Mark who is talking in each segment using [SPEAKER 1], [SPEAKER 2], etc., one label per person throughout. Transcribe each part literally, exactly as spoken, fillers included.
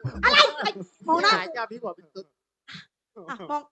[SPEAKER 1] อะไรมองหน้า
[SPEAKER 2] หายใจพี่บอกเป็นตุ๊ด
[SPEAKER 1] อ่ะมอง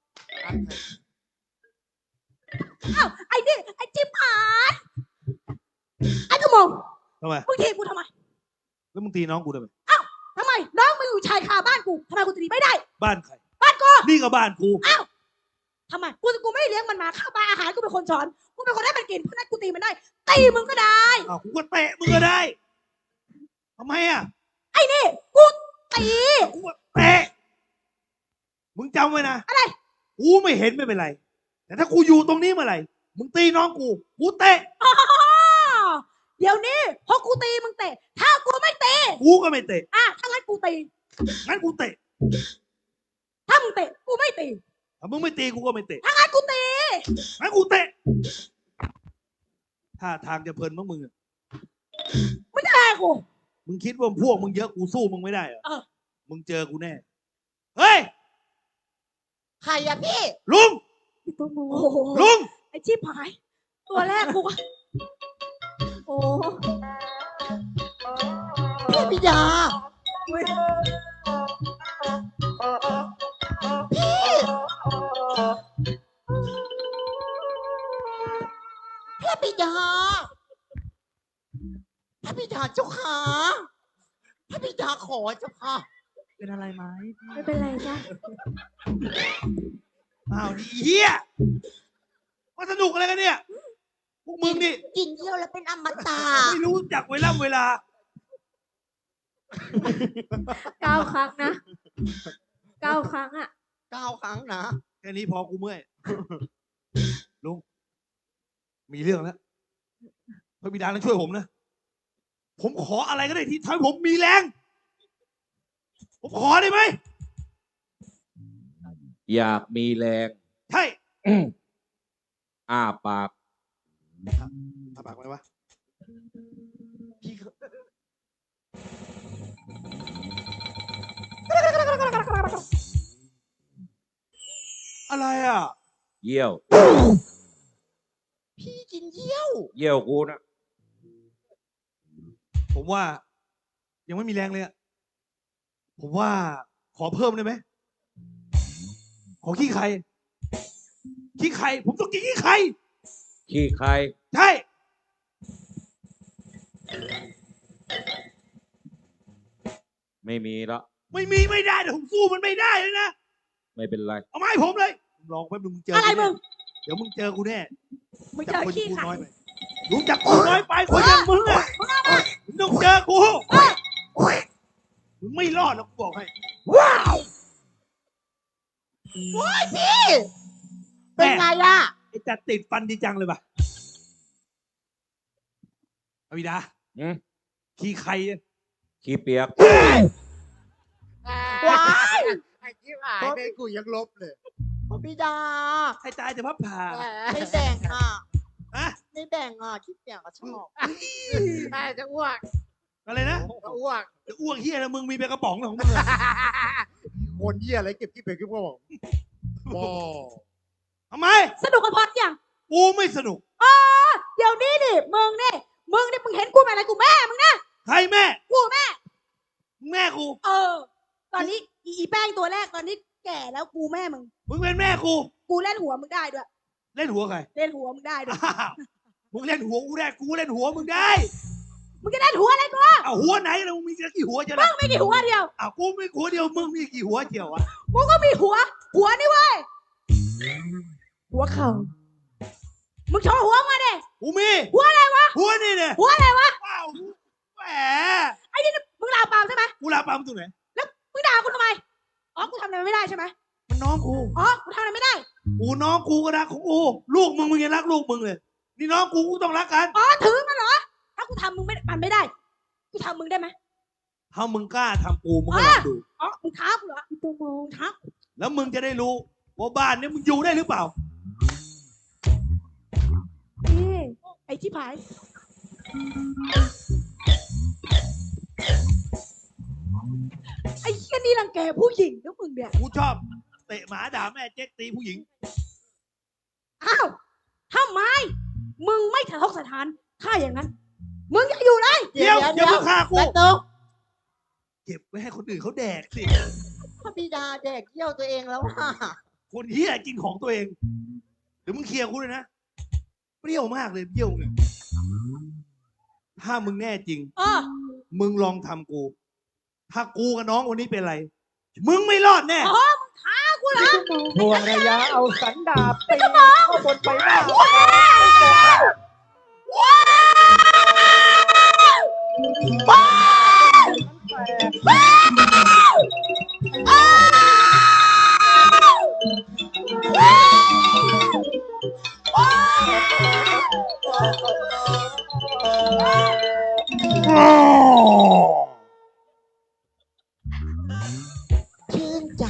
[SPEAKER 1] อ้าวไอ้นี่ไอ้จิ๊บหายไอ้กระมง
[SPEAKER 3] ทำไม
[SPEAKER 1] มึงทีกูทำไม
[SPEAKER 3] แล้วมึงตีน้องกูทำไม
[SPEAKER 1] ทำไมน้องมึงอยู่ชายคาบ้านกูทำไมกูจะตีไม่ได้
[SPEAKER 3] บ้านใคร
[SPEAKER 1] บ้านกู
[SPEAKER 3] นี่ก็บ้านกู
[SPEAKER 1] อ้าวทำไมกูกูไม่ได้เลี้ยงมันมาข้าวปลาอาหารกูเป็นคนสอนกูเป็นคนให้มันกินเพราะนั้นกูตีมันได้ตีมึงก็ได้
[SPEAKER 3] อ้าวกูก็เตะมึงก็ได้ทำไมอ่ะ
[SPEAKER 1] ไอ้นี่กูตี
[SPEAKER 3] กูก็เตะมึงจำไว้นะ
[SPEAKER 1] อะไร
[SPEAKER 3] กูไม่เห็นไม่เป็นไร แต่ถ้ากูอยู่ตรงนี้เมื่อไหร่มึงตีน้องกูกูเตะ
[SPEAKER 1] อ๋อเดี๋ยวนี้พอกูตีมึงเตะถ้ากูไม่ตี
[SPEAKER 3] กูก็ไม่เตะ
[SPEAKER 1] อ่ะถ้างั้นกูตี
[SPEAKER 3] งั้นกูเตะ
[SPEAKER 1] ถ้ามึงเตะกูไม่ตี
[SPEAKER 3] ถ้ามึงไม่ตีกูก็ไม่เตะ
[SPEAKER 1] ถ้างั้นกูตี
[SPEAKER 3] งั้นกูเตะถ้าทางจะเพลินมั้งมึงอะ
[SPEAKER 1] ไม่ได้กู
[SPEAKER 3] มึงคิดว่าพวกมึงเยอะกูสู้มึงไม่ได้เหรอ
[SPEAKER 1] เออ
[SPEAKER 3] มึงเจอกูแน่เฮ้ย
[SPEAKER 2] ใครอะพี่
[SPEAKER 3] ลุง
[SPEAKER 1] โอ้โห
[SPEAKER 3] ลุง
[SPEAKER 1] ไอ้ชีพหาย ตัวแรกกูก็โอ้
[SPEAKER 2] พี่ปิยา
[SPEAKER 1] เว้ย
[SPEAKER 2] พี่ปิยาพี่ปิยาเจ้าขาพี่ปิยาขอเจ้าค่ะ
[SPEAKER 3] เป็นอะไรไหม
[SPEAKER 1] ไม่เป็นไรจ้ะ
[SPEAKER 3] อ้าวเฮียมาสนุกอะไรกันเนี่ยพวกมึงนี่
[SPEAKER 2] กินเยี่ยวแล้วเป็นอมตะ
[SPEAKER 3] ไม่รู้จักเวลาเวลา
[SPEAKER 1] เก้าครั้งนะเก้าครั้งอ่ะ
[SPEAKER 2] เก้าครั้งนะ
[SPEAKER 3] แค่นี้พอกูเมื่อยลุงมีเรื่องแล้วพระบิดาต้องช่วยผมนะผมขออะไรก็ได้ที่ทำให้ผมมีแรงผมขอได้ไหม
[SPEAKER 4] อยากมีแรง
[SPEAKER 3] ใช่
[SPEAKER 4] อ้าปาก
[SPEAKER 3] ทำปากไหมวะ
[SPEAKER 2] พี่
[SPEAKER 3] อะไรอ่ะ
[SPEAKER 4] เยี่ยว
[SPEAKER 2] พี่กินเยี่ยว
[SPEAKER 4] เยี่ยวกูนะ
[SPEAKER 3] ผมว่า ยังไม่มีแรงเลยอะผมว่าขอเพิ่มได้ไหมขอขี้ไข่ขี้ไข่ผมต้องกินขี้ไข่
[SPEAKER 4] ขี้ใคร
[SPEAKER 3] ใช่
[SPEAKER 4] ไม่มีละ
[SPEAKER 3] ไม่มีไม่ได้แต่ผมสู้มันไม่ได้เลยนะ
[SPEAKER 4] ไม่เป็นไร
[SPEAKER 3] เอามาให้ผมเลยลองแป๊บนึงมึงเจอ
[SPEAKER 1] อะไร
[SPEAKER 3] กู
[SPEAKER 1] มึ
[SPEAKER 3] แน่
[SPEAKER 1] ง
[SPEAKER 3] เดี๋ยวมึงเจอกูแน่
[SPEAKER 1] มึงเจ
[SPEAKER 3] จั
[SPEAKER 1] อ
[SPEAKER 3] คน
[SPEAKER 1] ขี้
[SPEAKER 3] กู
[SPEAKER 1] ไข่
[SPEAKER 3] น้อยไปรู้จักกูน้อยไปคนอย่างมึงอะมึงต้องเจอกูมึงไม่รอดหรอกกูบอกให้
[SPEAKER 2] ว้าวโอ้ยพี่ เป็นไงอะ
[SPEAKER 3] ไอ้จัดติดฟันดีจังเลยป่ะอวิดา
[SPEAKER 4] อืม
[SPEAKER 3] ขี้ไข่อะ
[SPEAKER 4] ขี้เปียก
[SPEAKER 2] ว้าย
[SPEAKER 5] ไอ้ที่หายไปกูยังลบเลย
[SPEAKER 2] พี่ปิยา
[SPEAKER 3] ใครตายจะพับผ่า
[SPEAKER 2] ไม่แบ่งอ่ะ
[SPEAKER 3] อะ
[SPEAKER 2] ไม่แบ่งอ่ะคิดแบ่งก็ชอบ
[SPEAKER 5] ไอ้จะอ้วก
[SPEAKER 3] อะไรนะ
[SPEAKER 5] จะอ้วก
[SPEAKER 3] จะอ้วกเฮียแล้วมึงมีเป็นกระป๋องของมึงอะ
[SPEAKER 5] คนเยี่ยอะไรเก็บที่เป็นขึ้นมาบอกบอ
[SPEAKER 3] ทำไม
[SPEAKER 1] สนุกกับพอดยัง
[SPEAKER 3] กูไม่สนุก
[SPEAKER 1] อ๋อเดี๋ยวนี้ดิมึงนี่มึงนี่มึงเห็นกูเป็นอะไรกูแม่มึงนะ
[SPEAKER 3] ใครแม่
[SPEAKER 1] กูแม่
[SPEAKER 3] แม่กู
[SPEAKER 1] เออ ตอนนี้อีอีแป้งตัวแรกตอนนี้แก่แล้วกูแม่มึง
[SPEAKER 3] มึงเป็นแม่กู
[SPEAKER 1] กูเล่นหัวมึงได้ด้วย
[SPEAKER 3] เล่นหัวใคร
[SPEAKER 1] เล่นหัวมึงได้ด้วย
[SPEAKER 3] อ้าวมึงเล่นหัวกูได้กูเล่นหัวมึงได้
[SPEAKER 1] มึงจะเล่นหัวอะไรกู
[SPEAKER 3] เอาหัวไหนแล้วมึงมีกี่หัวเจ้า
[SPEAKER 1] มึ
[SPEAKER 3] ล่ะ
[SPEAKER 1] งไม่กี่หัวเดียว
[SPEAKER 3] อ้าวกูมีหัวเดียวมึงมีกี่หัวเจียวอะ
[SPEAKER 1] กูก็มีหัว หัวนี่เว้ยหัวเข่ามึงโชว์หัวมาดิ
[SPEAKER 3] กูมี
[SPEAKER 1] หัวอะไรวะ
[SPEAKER 3] หัวนี่เนี่ย
[SPEAKER 1] หัวอะไรวะ
[SPEAKER 3] ว้าวแหม
[SPEAKER 1] ไอ้นี่มึงด่าปามใช่ไหม
[SPEAKER 3] กูลาปามตรงไหน
[SPEAKER 1] มึงด่ากูทำไมอ๋อกูทำอะไรไม่ได้ใช่ไหม
[SPEAKER 3] มันน้องกู
[SPEAKER 1] อ๋อกูทำอะไรไม่ได้
[SPEAKER 3] กูน้องกูก็รักของกูลูกมึงมึงยังรักลูกมึงเลยนี่น้องกูกูต้องรักกัน
[SPEAKER 1] อ๋อถือมันเหรอถ้ากูทำมึงไม่มันไม่ได้กูทำมึงได้ไหม
[SPEAKER 3] ถ้ามึงกล้าทำกูมึงก็ลองดู
[SPEAKER 1] อ๋อมึงท้ากูเหรออีตัวโมงท้า
[SPEAKER 3] แล้วมึงจะได้รู้ว่าบ้านเนี้มึงอยู่ได้หรือเปล่า
[SPEAKER 1] นี่ไอ้ที่ผายไอ้เหี้ยนี่รังแกผู้หญิงนะมึงเนี่ย
[SPEAKER 3] กูชอบเตะหมาด่าแม่เจ๊กตีผู้หญิง
[SPEAKER 1] อ้าวทำไมมึงไม่สะทกสถานถ้าอย่างนั้น มึงจะอยู่ไหน
[SPEAKER 3] เดี๋ยวเดี๋ยวมึงฆ่ากู
[SPEAKER 2] แป๊บนึง
[SPEAKER 3] เก็บไว้ให้คนอื่นเขาแดกสิ
[SPEAKER 2] พระบิดาแดกเยี่ยวตัวเองแล้วค่ะ
[SPEAKER 3] คนเฮียกินของตัวเองเดี๋ยวมึงเคลียร์กูเลยนะเปรี้ยวมากเลยเปรี้ยวเนี่ยถ้ามึงแน่จริง
[SPEAKER 1] เออ
[SPEAKER 3] มึงลองทำกู ถ้ากูกับน้องวันนี้เป็นไร มึงไม่รอดแน่
[SPEAKER 1] อ๋อมึงท้ากูเหรอ
[SPEAKER 5] ทวงระยะเอาสันดาบตีเข้าบนใบหน้า
[SPEAKER 1] ว้าวว้าวอ้าวว้าวว้าว
[SPEAKER 2] ชื่นใจ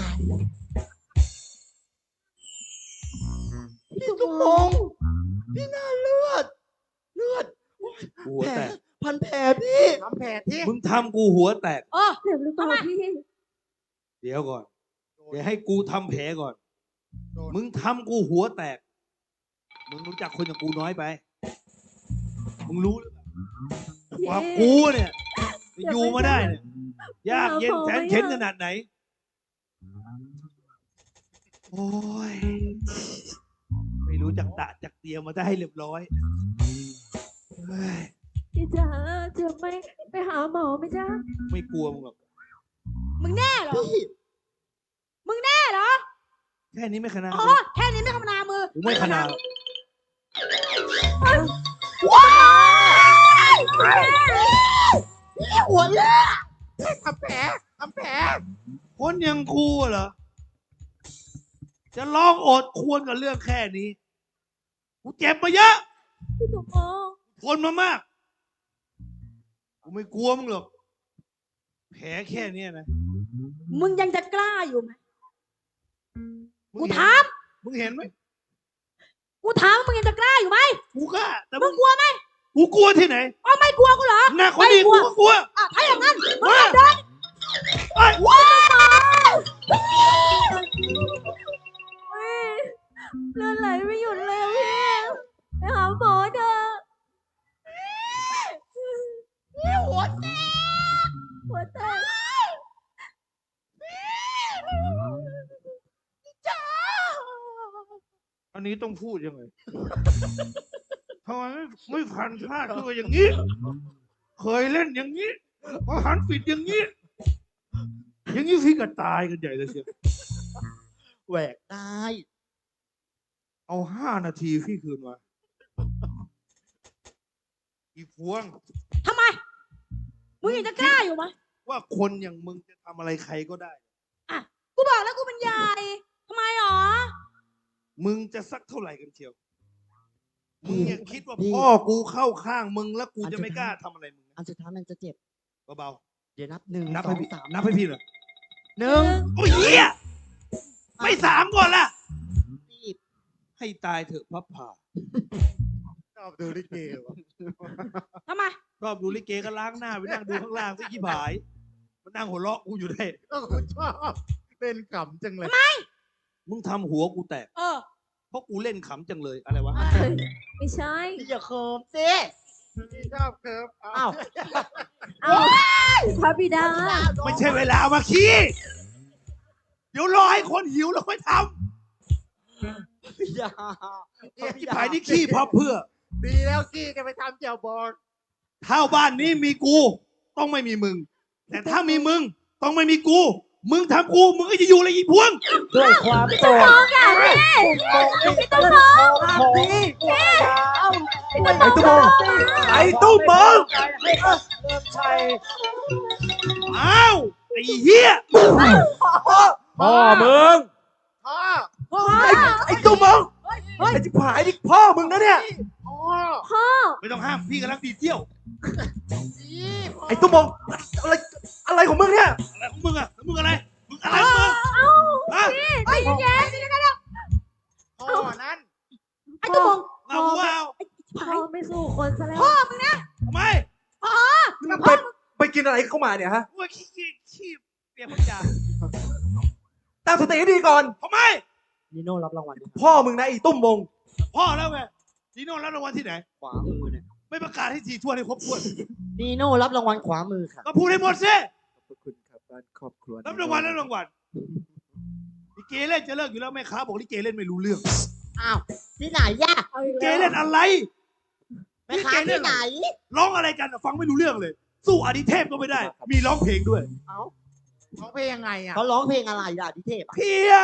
[SPEAKER 1] พี่ตุ้มง
[SPEAKER 2] พี่น่าเลือด เลือด
[SPEAKER 3] กูหัว
[SPEAKER 2] แผล
[SPEAKER 3] แตก
[SPEAKER 2] พันแผลพี่
[SPEAKER 5] ทำแผลที่
[SPEAKER 3] มึงทำกูหัวแตก
[SPEAKER 1] เออ
[SPEAKER 6] เจ็บหรือเปล่าพี่
[SPEAKER 3] เดี๋ยวก่อน เดี๋ยวให้กูทำแผลก่อน
[SPEAKER 5] โดน
[SPEAKER 3] มึงทำกูหัวแตก มึงรู้จักคนอย่างกูน้อยไป มึงรู้หรือเปล่าว่ากูเนี่ยจะอยู่มาได้เนี่ย ยากเย็นแสนเข็นขนาดไหน โอ้ย ไม่รู้จักตะจักเตรียมมาได้เรียบร้อยเฮ้ย
[SPEAKER 6] พี่จ๋าเจ็บไหมไปหาหมอไหมจ๊ะ
[SPEAKER 3] ไม่กลัวมึงหรอก
[SPEAKER 1] มึงแน่เหรอ
[SPEAKER 2] พี่
[SPEAKER 1] มึงแน่เหรอ
[SPEAKER 3] แค่นี้ไม่ขนาด
[SPEAKER 1] อ๋อ แค่นี้ไม่ขนามือ
[SPEAKER 3] กูไม่ขนาด
[SPEAKER 1] ว้าวหัวเลือด
[SPEAKER 5] ทำแผลทำแผล
[SPEAKER 3] คนอย่างกูเหรอ จะร้องโอดควรกับเรื่องแค่นี้ กูเจ็บมาเยอะ
[SPEAKER 6] พี่ตุ้มมอง
[SPEAKER 3] ทนมามาก กูไม่กลัวมึงหรอก แผลแค่เนี้ยนะ
[SPEAKER 1] มึงยังจะกล้าอยู่ไหม
[SPEAKER 3] มึ
[SPEAKER 1] กู
[SPEAKER 3] งเห็น
[SPEAKER 1] ถาม
[SPEAKER 3] มึงเห็นไหม
[SPEAKER 1] กูถามว่ามึงยังจะกล้าอยู่ไหม
[SPEAKER 3] กูกล้าแต่
[SPEAKER 1] มึ
[SPEAKER 3] มึ
[SPEAKER 1] ง
[SPEAKER 3] ง
[SPEAKER 1] กลัวไหม
[SPEAKER 3] กูกลัวที่ไหน
[SPEAKER 1] อ๋อไม่กลัวกูเหรอ
[SPEAKER 3] หน้าคนดี
[SPEAKER 1] ไม่กลั
[SPEAKER 3] กู
[SPEAKER 1] ว
[SPEAKER 3] ก็กลัว
[SPEAKER 1] อ่ะถ้าอย่างนั้นมึง
[SPEAKER 3] มา
[SPEAKER 1] เดิน
[SPEAKER 3] ไอ้ย
[SPEAKER 1] ว้าว
[SPEAKER 6] เฮ้ยเลือดไหลไม่หยุดเลยอะพี่ไปหาหมอเถอะ
[SPEAKER 1] นี่หัวแตก
[SPEAKER 6] หัวแตก
[SPEAKER 1] จ้า
[SPEAKER 3] อันนี้ต้องพูดยังไงทำไมไม่ไม่พันพลาดตัวอย่างนี้ เคยเล่นอย่างนี้พอหันปิดอย่างนี้ อย่างนี้พี่ก็ตายกันใหญ่เลยเชียว
[SPEAKER 2] แหวกได้
[SPEAKER 3] เอาห้านาทีพี่คืนมา อีพวง
[SPEAKER 1] ทำไม มึงยังจะกล้าอยู่ไหม
[SPEAKER 3] ว่าคนอย่างมึงจะทำอะไรใครก็ได้
[SPEAKER 1] กูบอกแล้วกูเป็นใหญ่ทำไมหรอ
[SPEAKER 3] มึงจะสักเท่าไหร่กันเชียว มึงอย่าคิดว่า
[SPEAKER 2] พี่
[SPEAKER 3] พ่อกูเข้าข้างมึงแล้วกูจะไม่กล้าทำอะไรมึงนะ
[SPEAKER 2] อันสุดท้ายมันจะเจ็บ
[SPEAKER 3] เบา
[SPEAKER 2] เดี๋ยวนับหนึ่ง
[SPEAKER 3] ๆนับ
[SPEAKER 2] สอ
[SPEAKER 3] ให้
[SPEAKER 2] ง
[SPEAKER 3] พี่
[SPEAKER 2] สาม
[SPEAKER 3] นับให้พี่เลย
[SPEAKER 2] หนึ่ง
[SPEAKER 3] โอ้ยเหี้ยไม่สามก่อนล่ะ
[SPEAKER 2] สิบ
[SPEAKER 3] ให้ตายเถอะพับผ่า
[SPEAKER 5] ชอบดูลิเกวะ
[SPEAKER 1] ทำไม
[SPEAKER 3] ชอบดูลิเกก็ล้างหน้าไปนั่งดูข้างล่างสิขี้ผายมานั่งหัวเราะกูอยู่ได้
[SPEAKER 5] ก็คุณชอบเล่นขำจังเลย
[SPEAKER 3] มึงทำหัวกูแตก
[SPEAKER 1] เออ
[SPEAKER 3] เพราะกูเล่นขำจังเลยอะไรวะ
[SPEAKER 6] เฮ้ยไม่ใช่
[SPEAKER 2] พี่อย่าเคิมสิ
[SPEAKER 5] พี่ชอบเคิร์ฟ
[SPEAKER 2] อ้าว
[SPEAKER 6] เอาพระบิดา
[SPEAKER 3] ไม่ใช่เวลาเอามาขี้ เดี๋ยวรอให้คนหิวแล้วค่อยท
[SPEAKER 2] อย่า
[SPEAKER 3] ำที่ผายนี่ขี้เพราะเพื่อ
[SPEAKER 5] ดีแล้วกี้จะไปทำเจียวบอล
[SPEAKER 3] ถ้าบ้านนี้มีกู ต้องไม่มีมึง แต่ถ้ามีมึง ต้องไม่มีกู มึงทำกู มึงก็จะอยู่อะไรอีพวง
[SPEAKER 5] ด้วยความโกรธ
[SPEAKER 6] มองอ่ะพี่พี่ตุ้มมอง
[SPEAKER 5] ของพี่
[SPEAKER 6] พี่ตุ้มมอง
[SPEAKER 3] ไอ้ตุ้มมึง
[SPEAKER 5] ให้เริ่มชัย
[SPEAKER 3] อ้าวไอ้เหี้ย
[SPEAKER 4] พ่อมึง
[SPEAKER 5] พ่อ
[SPEAKER 1] พ่อ
[SPEAKER 3] ไอ้ตุ้มมึง
[SPEAKER 1] เฮ้ย
[SPEAKER 3] ไอ้จิ๋ผายนี่พ่อมึงนะเนี่ย
[SPEAKER 5] พ่อ
[SPEAKER 6] พ่อ
[SPEAKER 3] ไม่ต้องห้ามพี่กำลังดีเที่ยว
[SPEAKER 5] พี่พ่อ
[SPEAKER 3] ไอ้ตุ้มมึงอะไรอะไรของมึงเนี่ยอะไรของมึงอะแล้วมึงอะไรมึงอะไรของมึง
[SPEAKER 6] เอ้า
[SPEAKER 3] ฮะ
[SPEAKER 1] ไอ้แย่สิกันแล้ว
[SPEAKER 5] พ่อนั้น
[SPEAKER 1] ไอ้ตุ้มง
[SPEAKER 3] เอากูเอา
[SPEAKER 6] พ่อไม่สู้คนซะแล้ว
[SPEAKER 1] พ่อมึงนะ
[SPEAKER 3] ทำไม
[SPEAKER 1] พ่อกับพ่อมึง
[SPEAKER 7] ไปกินอะไรเข้ามาเนี่ยฮะ
[SPEAKER 3] กูขี้ขี้ขี้เปียกพันยา
[SPEAKER 7] ตั้งสติให้ดีก่อน
[SPEAKER 3] ทำไม
[SPEAKER 2] นิโน่รับรางวัลด้วยครับ
[SPEAKER 7] พ่อมึงนะไอ้ตุ้มมง
[SPEAKER 3] พ่อแล้วไงนีโน่รับรางวัลที่ไหน
[SPEAKER 2] ขวามือเนี่ย
[SPEAKER 3] ไม่ประกาศให้ทีทั่วให้ครบถ้วน
[SPEAKER 2] นีโน่รับรางวัลขวามือค่ะ
[SPEAKER 3] ก็พูดให้หมดสิ
[SPEAKER 7] ขอบคุณครับ
[SPEAKER 5] บ้านครอบครัว
[SPEAKER 3] รับรางวัลรับรางวัลลิเกเล่นจะเลิกอยู่แล้วแม่ค้าบอกลิเกเล่นไม่รู้เรื่อง
[SPEAKER 2] อ้าวที่ไหนย่ะ
[SPEAKER 6] เอาอี
[SPEAKER 3] ลิ
[SPEAKER 6] ก
[SPEAKER 3] เก
[SPEAKER 6] แล้ว
[SPEAKER 3] เล่นอะไร
[SPEAKER 2] แม่ค้าที่ไหน
[SPEAKER 3] ร้องอะไรกันอะฟังไม่รู้เรื่องเลย สู้อดิเทพก็ไม่ได้ มีร้องเพลงด้วย
[SPEAKER 2] เอ้า
[SPEAKER 5] ร้องเพลงยังไงอ่ะ
[SPEAKER 2] เขาร้องเพลงอะไรล่ะดิเทพอะ
[SPEAKER 3] เพีย